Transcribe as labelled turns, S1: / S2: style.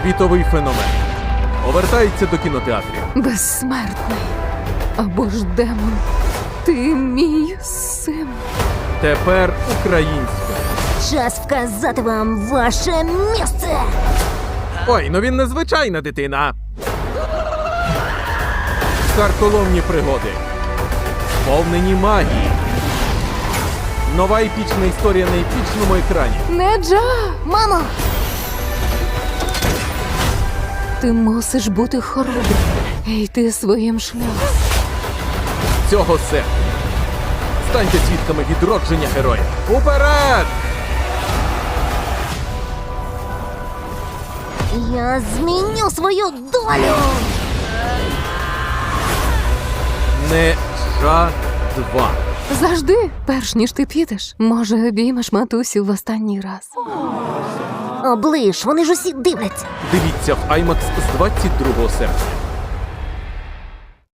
S1: Світовий феномен. Повертається до кінотеатрів.
S2: Безсмертний. Або ж демон. Ти мій син.
S1: Тепер українською.
S3: Час вказати вам ваше місце.
S1: Ой, ну він незвичайна дитина. Картоломні пригоди. Сповнені магії. Нова епічна історія на епічному екрані.
S2: Неджа!
S3: Мамо!
S2: Ти мусиш бути хоробрим і йти своїм шляхом.
S1: Цього серпня. Станьте свідками відродження героя. Уперед!
S3: Я зміню свою долю!
S1: Неджа 2.
S2: Завжди, перш ніж ти підеш, може, обіймеш матусю в останній раз.
S3: Оближ, вони ж усі дивляться.
S1: Дивіться в IMAX з 22 серпня.